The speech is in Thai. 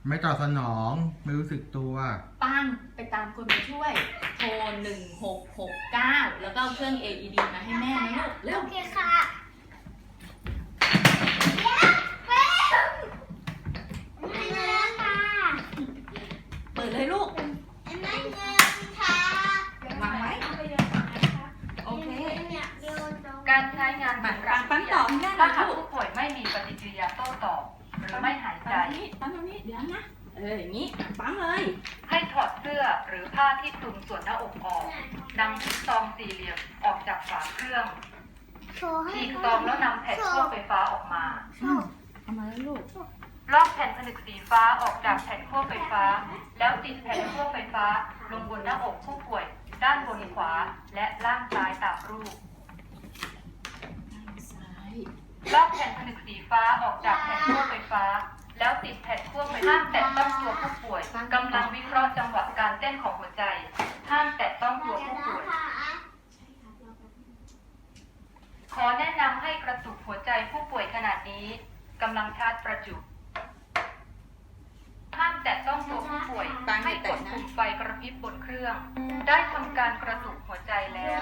ไม่ตอบสนองไม่รู้สึกตัวปังไปตามคนมาช่วย โทร1669แล้วก็เอาเครื่อง AED มาให้แม่นะลูกเร็วโอเคค่ะไม่เงินค่ะเปิดเลยลูกไม่เงินค่ะวางไว้โอเคการใช้งานปังปังต่อให้แม่หน่ถ้าอยหากลูกผู้ป่วยไม่มีปฏิกิริยาโต้ตอบหรือไม่หายใจปั๊มตรงนี้เดี๋ยวนะอย่างนี้ปั๊มเลยให้ถอดเสื้อหรือผ้าที่คลุมส่วนหน้าอกออกนำซองสี่เหลี่ยมออกจากฝาเครื่องฉีกซองแล้วนำแผ่นขั้วไฟฟ้าออกมาเอามาแล้วลูกลอกแผ่นผนึกสีฟ้าออกจากแผ่นขั้วไฟฟ้า แล้วติดแผ่นขั้วไฟฟ้าลงบนหน้าอกผู้ป่วย ด้านบนขวาและล่างซ้ายตามรูปซ้ายลอกแผ่นผนึกสีฟ้าออกจากแผ่นขั้วไฟฟ้า แล้วติดแผ่นขั้วไฟฟ้าห้ามแตะต้องตัวผู้ป่วยกำลังวิเคราะห์จังหวะการเต้นของหัวใจห้ามแตะต้องตัวผู้ป่วย ขอแนะนำให้กระตุกหัวใจผู้ป่วยขนาดนี้กำลังชาร์จประจุห้ามแตะต้องตัวผู้ป่วยให้กดปุ่มไฟกระพริบบนเครื่อง ได้ทำการกระตุกหัวใจแล้ว